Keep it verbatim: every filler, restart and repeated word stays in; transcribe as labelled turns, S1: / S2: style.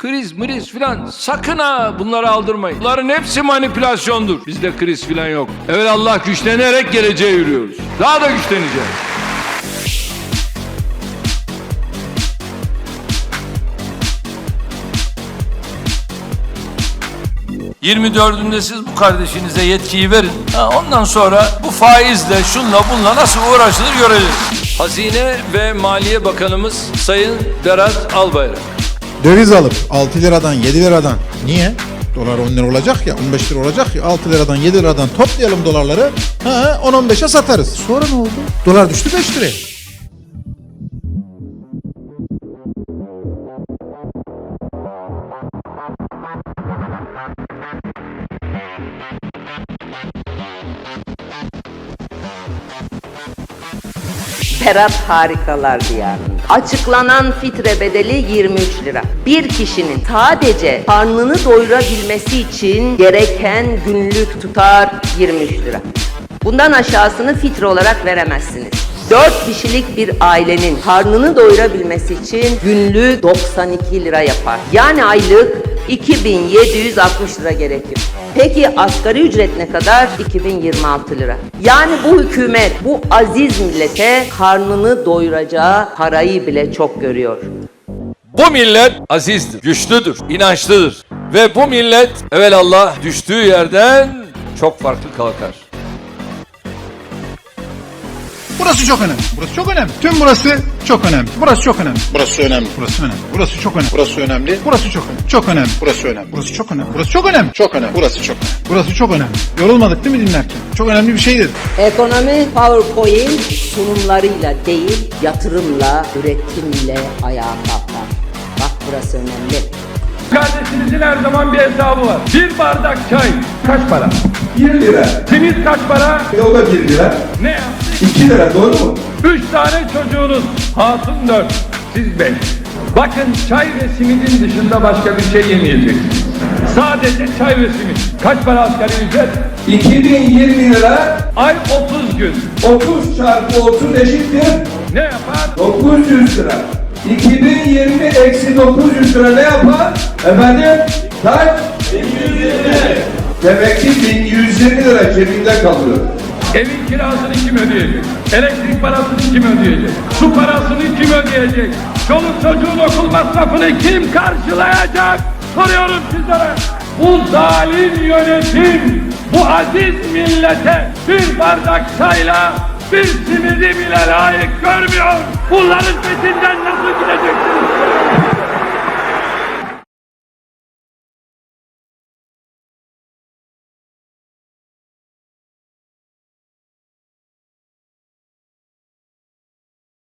S1: Kriz mriz filan sakın ha bunları aldırmayın. Bunların hepsi manipülasyondur. Bizde kriz filan yok. Evet, Allah güçlenerek geleceğe yürüyoruz. Daha da güçleneceğiz. yirmi dördünde siz bu kardeşinize yetkiyi verin. Ha, ondan sonra bu faizle, şunla bunla nasıl uğraşılır göreceğiz. Hazine ve Maliye Bakanımız Sayın Berat Albayrak.
S2: Döviz alıp altı liradan yedi liradan, niye? Dolar on lira olacak ya, on beş lira olacak ya, altı liradan yedi liradan toplayalım dolarları, ha on on beşe satarız. Sonra ne oldu? Dolar düştü beş liraya.
S3: Berat harikalar diyarında. Açıklanan fitre bedeli yirmi üç lira. Bir kişinin sadece karnını doyurabilmesi için gereken günlük tutar yirmi üç lira. Bundan aşağısını fitre olarak veremezsiniz. dört kişilik bir ailenin karnını doyurabilmesi için günlük doksan iki lira yapar. Yani aylık iki bin yedi yüz altmış lira gerekir. Peki asgari ücret ne kadar? iki bin yirmi altı lira. Yani bu hükümet bu aziz millete karnını doyuracağı parayı bile çok görüyor.
S1: Bu millet azizdir, güçlüdür, inançlıdır. Ve bu millet evelallah düştüğü yerden çok farklı kalkar.
S2: Burası çok önemli. Burası çok önemli. Tüm burası çok önemli. Burası çok önemli.
S4: Burası önemli.
S2: Burası önemli. Burası çok önemli.
S4: Burası önemli.
S2: Burası çok önemli. Çok önemli.
S4: Burası önemli.
S2: Burası çok önemli. Burası çok önemli.
S4: Çok önemli. Burası çok önemli.
S2: Burası çok önemli. Yorulmadık değil mi dinlerken? Çok önemli bir şeydir.
S3: Ekonomi PowerPoint sunumlarıyla değil, yatırımla, üretimle ayağa kalkar. Bak burası önemli.
S5: Kardeşinizin her zaman bir hesabı var. Bir bardak çay kaç para?
S6: bir lira.
S5: Simit kaç para?
S6: E o da bir lira.
S5: Ne yaptı?
S6: iki lira, doğru mu?
S5: Üç tane çocuğunuz. Hatun dört. Siz beş. Bakın, çay ve simidin dışında başka bir şey yemeyeceksiniz. Sadece çay ve simit. Kaç para asgari ücret?
S6: iki bin yirmi lira.
S5: Ay otuz gün.
S6: otuz çarpı otuz eşittir
S5: Ne yapar?
S6: dokuz yüz lira. iki bin yirmi eksi dokuz yüz lira ne yapar? Efendim? Kaç? bin yüz yirmi. Demek ki bin yüz yirmi lira cebinde kalıyor.
S5: Evin kirasını kim ödeyecek? Elektrik parasını kim ödeyecek? Su parasını kim ödeyecek? Çoluk çocuğun okul masrafını kim karşılayacak? Soruyorum sizlere. Bu zalim yönetim, bu aziz millete bir bardak çayla bir simidi bile layık görmüyor. Bunların peşinden nasıl gideceksiniz?